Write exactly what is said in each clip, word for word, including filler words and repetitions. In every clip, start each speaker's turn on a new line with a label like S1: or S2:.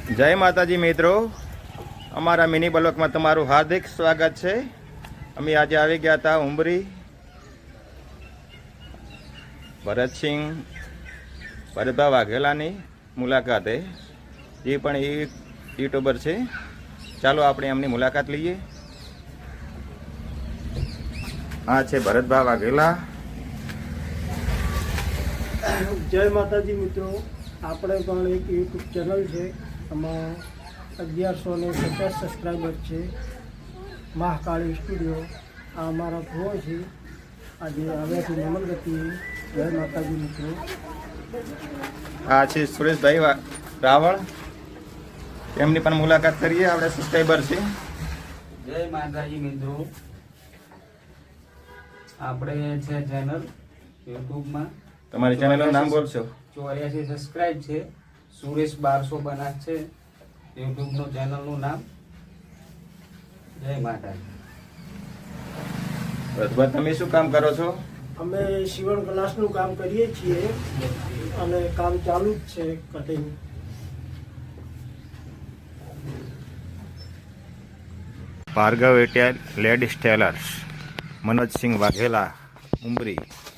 S1: જય માતાજી મિત્રો, અમારા મિની બ્લોકમાં તમારું હાર્દિક સ્વાગત છે। અમે આજે આવી ગયા હતા ઉંબરી ભરતસિંહ ભરતભા વાઘેલાની મુલાકાતે। એ પણ એ યુટ્યુબર છે। ચાલો આપણે એમની મુલાકાત લઈએ। આ છે ભરતભા વાઘેલા।
S2: જય માતાજી મિત્રો, આપણે પણ એક યુટ્યુબ ચેનલ છે, આમાં અગિયારસો ને પચાસ સબસ્ક્રાઈબર છે। મહાકાળી સ્ટુડિયો આ અમારા પ્રો છે। આજે આવ્યા છે નમનગતિ। જય માતાજી મિત્રો।
S1: આ છે સુરેશભાઈ રાવળ, એમની પણ મુલાકાત કરીએ। આપણે સબસ્ક્રાઈબર છે।
S3: જય માતાજી મિત્રો, આપણે છે ચેનલ યુટ્યુબમાં,
S1: તમારી ચેનલનું નામ બોલશો?
S3: ચોર્યાસી સબસ્ક્રાઇબ છે। સુરેશ બારસો બનાસ છે યુટ્યુબનું ચેનલનું નામ। જય માતાજી।
S1: ભરતભા, તમે શું કામ કરો છો?
S2: અમે સીવણ ક્લાસનું કામ કરીએ છીએ અને કામ ચાલુ જ છે, કટિંગ।
S1: ભાર્ગવ એટેલ લેડીઝ ટેલર્સ, મનોજસિંહ વાઘેલા, ઉંબરી।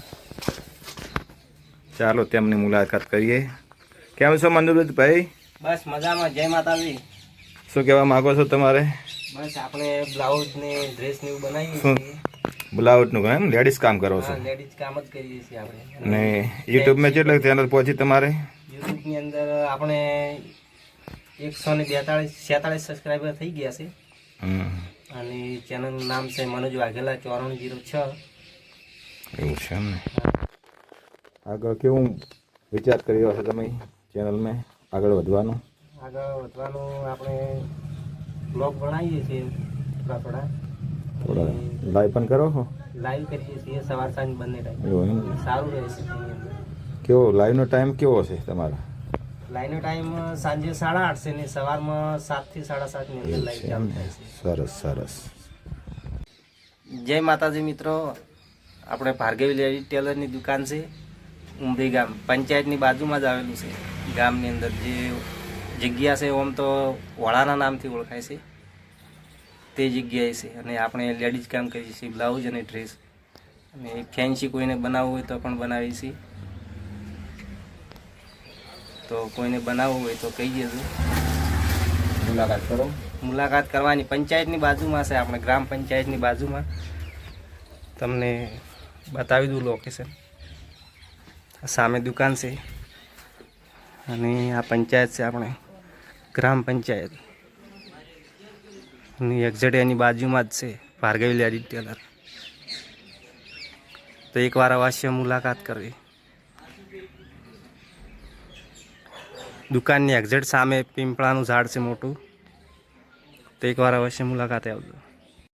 S1: ચાલો તેમની મુલાકાત કરીએ। કેમ છો મનોજભાઈ?
S3: બસ મજામાં। જય માતાજી।
S1: શું કહેવા માંગો છો તમારે?
S3: બસ આપણે બ્લાઉઝ ને ડ્રેસ ને એવું બનાવીએ
S1: શું
S3: છીએ।
S1: બ્લાઉઝનું કામ, લેડીઝ કામ કરો છો?
S3: હા, લેડીઝ કામ જ કરીએ છીએ આપણે।
S1: ને યુટ્યુબમાં કેટલા ચેનલ પહોંચી તમારે?
S3: યુટ્યુબની અંદર આપણે એકસો ને બેતાળીસ છેતાળીસ સબસ્ક્રાઈબર થઈ ગયા છે।
S1: હમ,
S3: અને ચેનલનું નામ છે મનોજ વાઘેલા ચોરાણું જીરો છ।
S1: એવું છે એમ ને? આગળ કેવું વિચાર કર્યો હશે તમે ચેનલમાં આગળ વધવાનું?
S3: આગળ વધવાનું આપણે બ્લોગ બનાવીએ છીએ થોડા થોડા
S1: થોડા લાઈવ પણ કરો છો?
S3: લાઈવ કરીએ છીએ સવાર સાંજ બંને ટાઈમ।
S1: એવું એમ?
S3: સારું રહે છે તેની અંદર।
S1: કેવો લાઈવનો ટાઈમ કેવો છે તમારો?
S3: લાઈવનો ટાઈમ સાંજે સાડા આઠ છે ને સવારમાં સાતથી સાડા સાતની અંદર
S1: એવું
S3: લાઈવ
S1: છે
S3: ચાલુ
S1: એમ ને?
S3: થાય છે।
S1: સરસ સરસ।
S3: જય માતાજી મિત્રો, આપણે ભાર્ગવી લેડી ટેલરની દુકાન છે, ઉમરી ગામ પંચાયતની બાજુમાં જ આવેલું છે। ગામની અંદર જે જગ્યા છે ઓમ તો વડાના નામથી ઓળખાય છે, તે જગ્યાએ છે। અને આપણે લેડીઝ કામ કરીએ છીએ, બ્લાઉઝ અને ડ્રેસ, અને ફેન્સી કોઈને બનાવવું હોય તો પણ બનાવીએ છીએ। તો કોઈને બનાવવું હોય તો કહી દેજો,
S1: મુલાકાત કરો।
S3: મુલાકાત કરવાની। પંચાયતની બાજુમાં છે, આપણે ગ્રામ પંચાયતની બાજુમાં। તમને બતાવી દઉં લોકેશન। સામે દુકાન છે અને આ પંચાયત છે, આપણે ગ્રામ પંચાયત અને એક્ઝેક્ટ એની બાજુમાં જ છે ભાર્ગવી લેડી ટેલર। તો એકવાર અવશ્ય મુલાકાત કરવી। દુકાનની એક્ઝેક્ટ સામે પીંપળાનું ઝાડ છે મોટું, તો એકવાર અવશ્ય મુલાકાતે આવજો।